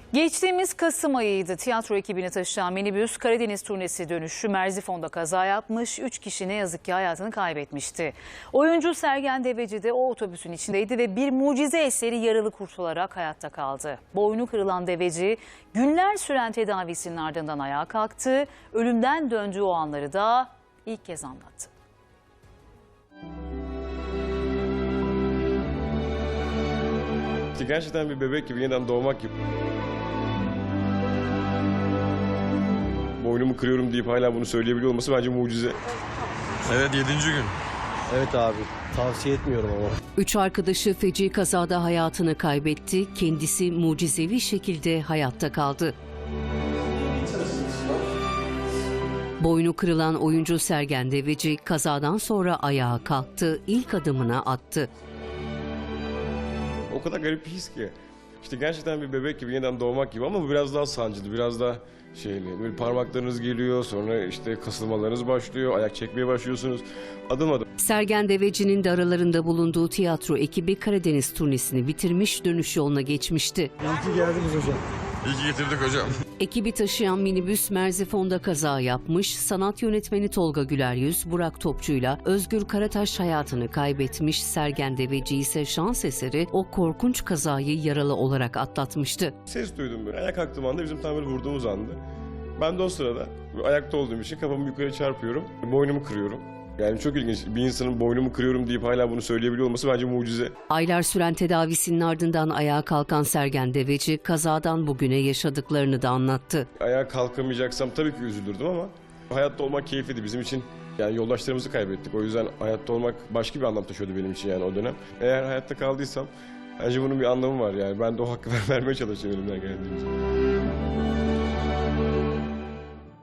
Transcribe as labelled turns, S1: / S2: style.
S1: Geçtiğimiz Kasım ayıydı. Tiyatro ekibini taşıyan minibüs Karadeniz turnesi dönüşü Merzifon'da kaza yapmış. 3 kişi ne yazık ki hayatını kaybetmişti. Oyuncu Sergen Deveci de o otobüsün içindeydi ve bir mucize eseri yaralı kurtularak hayatta kaldı. Boynu kırılan Deveci günler süren tedavisinin ardından ayağa kalktı. Ölümden döndüğü o anları da ilk kez anlattı.
S2: Gerçekten bir bebek gibi, yeniden doğmak gibi. Boynumu kırıyorum deyip hala bunu söyleyebiliyor olması bence mucize.
S3: Evet, 7. gün.
S4: Evet abi, tavsiye etmiyorum ama.
S5: 3 arkadaşı feci kazada hayatını kaybetti. Kendisi mucizevi şekilde hayatta kaldı. Boynu kırılan oyuncu Sergen Deveci kazadan sonra ayağa kalktı, ilk adımını attı.
S2: O kadar garip bir his ki. İşte gerçekten bir bebek gibi, yeniden doğmak gibi, ama bu biraz daha sancılı, biraz daha şeyli. Böyle parmaklarınız geliyor, sonra işte kasılmalarınız başlıyor, ayak çekmeye başlıyorsunuz. Adım adım.
S5: Sergen Deveci'nin de aralarında bulunduğu tiyatro ekibi Karadeniz turnesini bitirmiş, dönüş yoluna geçmişti.
S4: İyi ki geldiniz hocam.
S3: İyi ki getirdik hocam.
S5: Ekibi taşıyan minibüs Merzifon'da kaza yapmış, sanat yönetmeni Tolga Güleryüz, Burak Topçu'yla Özgür Karataş hayatını kaybetmiş, Sergen Deveci ise şans eseri o korkunç kazayı yaralı olarak atlatmıştı.
S2: Ses duydum böyle. Ayağa kalktığım anda bizim tam böyle vurduğumuz anda. Ben de o sırada ayakta olduğum için kafamı yukarı çarpıyorum, boynumu kırıyorum. Yani çok ilginç. Bir insanın boynumu kırıyorum deyip hala bunu söyleyebiliyor olması bence mucize.
S5: Aylar süren tedavisinin ardından ayağa kalkan Sergen Deveci kazadan bugüne yaşadıklarını da anlattı.
S2: Ayağa kalkamayacaksam tabii ki üzülürdüm, ama hayatta olmak keyifliydi bizim için. Yani yoldaşlarımızı kaybettik. O yüzden hayatta olmak başka bir anlam taşıyordu benim için yani o dönem. Eğer hayatta kaldıysam bence bunun bir anlamı var yani. Ben de o hakkı vermeye çalışacağım elimden geldiğince.